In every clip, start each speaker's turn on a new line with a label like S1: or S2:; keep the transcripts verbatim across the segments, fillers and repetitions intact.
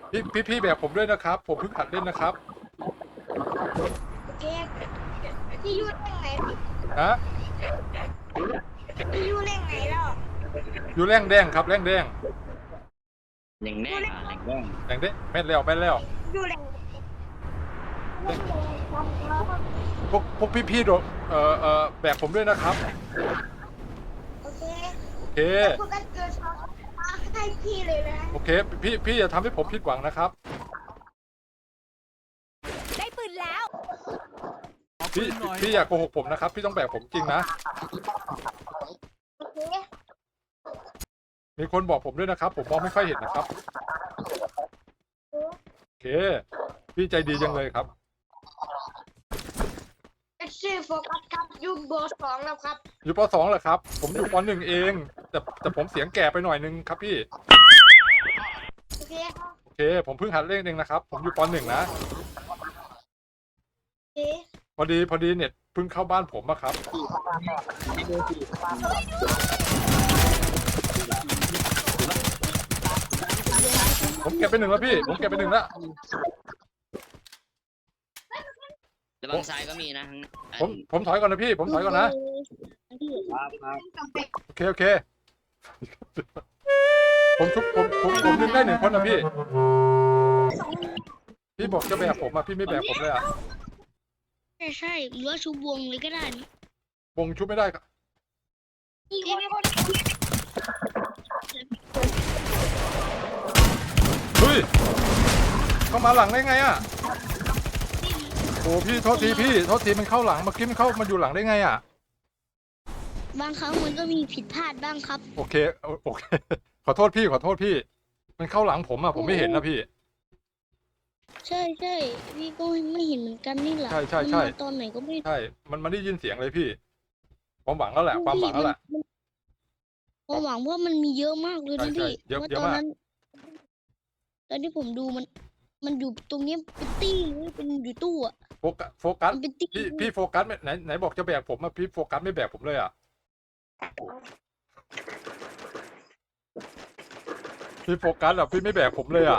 S1: พี่พี่พี่แบบผมด้วยนะครับผมเพิ่งหัดเล่นนะครับ
S2: โอเคพี่ยูเล่นไหน
S1: ฮะ
S2: พี่ยูเล่นไหนแล้ว
S1: อยู่แรงแดงครับแรงแดง
S3: แหล่งแดงอ่ะแหล่งแดง
S1: แรงแดงแม่นแล้วแม่นแล้ว
S2: ยูเล่น
S1: พวกพวกพี่พี่ๆโดดเอ่อเอ่อแบบผมด้วยนะครับ
S2: โอเค
S1: โอเค
S2: พวกกันเกิดมาให้พี่เลยนะ
S1: โอเคพี่พี่อย่าทำให้ผมผิดหวังนะครับ
S4: ได้ปืนแล้ว
S1: พี่พี่อย่าโกหกผมนะครับพี่ต้องแบบผมจริงนะ
S2: โอเค
S1: มีคนบอกผมด้วยนะครับผมมองไม่ค่อยเห็นนะครับโอเคพี่ใจดีจังเลยครับ
S2: ชื่อโฟกัสครับยูโบสองแล้วครับ
S1: อยู่ปสองเหรอครับผมอยู่ปหนึ่งเองแต่แต่ผมเสียงแก่ไปหน่อยนึงครับพี่
S2: โอเคครับ
S1: โอเคผมเพิ่งหัดเล่นเองนะครับผมอยู่ปหนึ่งนะ
S2: โอเค
S1: พอดีพอดีเน็ตเพิ่งเข้าบ้านผมอะครับผมเก็บไปหนึ่งแล้วพี่ผมเก็บไปหนึ่งแล้ว
S3: ระวังซ้ายก็มีนะ
S1: ผมผมถอยก่อนนะพี่ผมถอยก่อนนะครับ
S3: ครับ
S1: โอเคโอเคผมชุบผมผมผมดึงได้หนึ่งคนนะพี่พี่บอกจะแบบผมอะพี่ไม่แบบผมเลยอะ
S5: ใช่ใช่หรือว่าชุบวงเลยก็ได้นะ
S1: วงชุบไม่ได้ครับ
S2: พี่ไม่คน
S1: เฮ้ยเข้ามาหลังได้ไงอะโอ้พี่โทษทีพี่โทษทีมันเข้าหลังเมื่อกี้มันเข้ามาอยู่หลังได้ไงอะ
S5: บางครั้งมันก็มีผิดพลาดบ้างครับ
S1: โอเคโอเคขอโทษพี่ขอโทษพี่มันเข้าหลังผมอะผมไม่เห็นนะพี่
S5: ใช่ใช่พี่ก็ไม่เห็นเหมือนกันนี่แหละ
S1: ใช่ใช่ใช่
S5: มันมาตอนไหนก็ไม่
S1: ใช่มันมันได้ยินเสียงเลยพี่ความหวังแล้วแหละความหวังแล้วแหละ
S5: มันความหวังว่ามันมีเยอะมากเลย
S1: ใช่
S5: นะ
S1: ใช่
S5: พี่
S1: เยอะ
S5: ว่า
S1: เยอะ
S5: ตอน
S1: มาก
S5: นั้นตอนที่ผมดูมัน มันอยู่ตรงเนี้ยเป็นตี้เลยเป็นอยู่ตู้อะ
S1: โฟกัสโฟกัส
S5: มันเป็นตี้
S1: พี่พี่โฟกัสไม่ไหนไหนบอกจะแบกผมอะพี่โฟกัสไม่แบกผมเลยอะพี่โฟกัสอะพี่ไม่แบกผมเลยอะ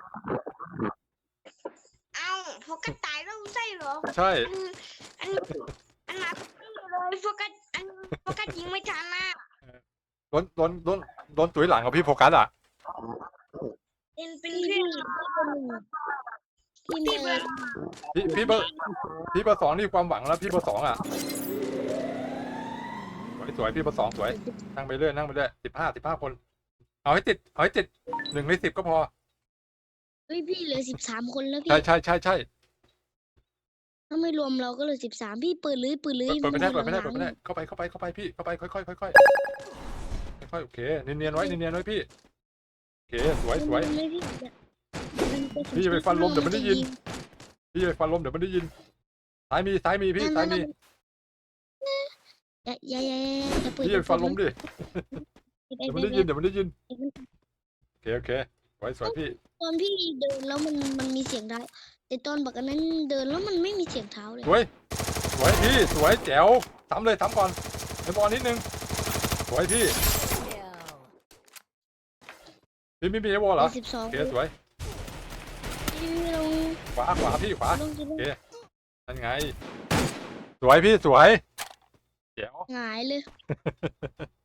S2: เอ้าโฟกัสตายแล้วใช่เหรอ
S1: ใช่
S2: อันอันอันนับเลยโฟกัสอันโฟกัสยิงไม่ทันนะ
S1: โดนโดนโดนโดนตุ๋ยหลังกับพี่โฟกัสอะ
S2: เป็นเป็น
S5: พี่
S2: เพื่อน
S5: พี่พี่เมย์
S1: พี่พี่เบอร์พี่เบอร์สองนี่ความหวังแล้วพี่เบอร์สองอะสวยสวยพี่เบอร์สองสวยนั่งไปเรื่อยนั่งไปเรื่อยสิบห้าสิบห้าคนเอาให้ติดเอาให้ติดหนึ่งในสิบก็พอ
S5: เฮ้ยพี่เหลือสิบสามคนแล้วพี่
S1: ใช่ใช่ใช่ใช่
S5: ถ้าไม่รวมเราก็เหลือสิบสามพี่เปิดเลยเปิดเลย
S1: เปิดไม่ได้เปิดไม่ได้
S5: ห
S1: เปิ
S5: ลั
S1: ด
S5: งๆ
S1: ไม่ได้เข้าไปเข้าไปเข้าไปพี่เข้าไปค่อยค่อยค่อยค่อยค่อยโอเคเนียนๆไว้เนียนๆไว้พี่โอเคสวยสวย
S5: ไม่พี่
S1: พี่จะไปฟันลมเดี๋ยวมันได้ยิน พี่ไปฟันลมเดี๋ยวมันได้ยินซ้ายมีซ้ายมีพี่ซ้ายมี
S5: อย่าอย่าอย่าอย่าเปิด
S1: พี่ไปฟันลมดิเดี๋ยวมันได้ยินเดี๋ยวมันได้ยินโอเคโอเคสวยสวยพี่
S5: ตอนพี่เดินแล้วมันมันมีเสียงเท้าแต่ตอนบักอันนั้นเดินแล้วมันไม่มีเสียงเท้าเลย
S1: สวยสวยพี่สวยแจ๋วทำเลยทำก่อนไอ้บอลนิดนึงสวยพี่พี่ไม่มีไอ้บอลเหรอ
S5: สิบสอง
S1: โอเคสวย
S5: พี่ลง
S1: ขวาขวาพี่ขวา
S5: ลงจะลง
S1: นั่นไงสวยพี่สวยแจ๋ว
S5: หงายเลย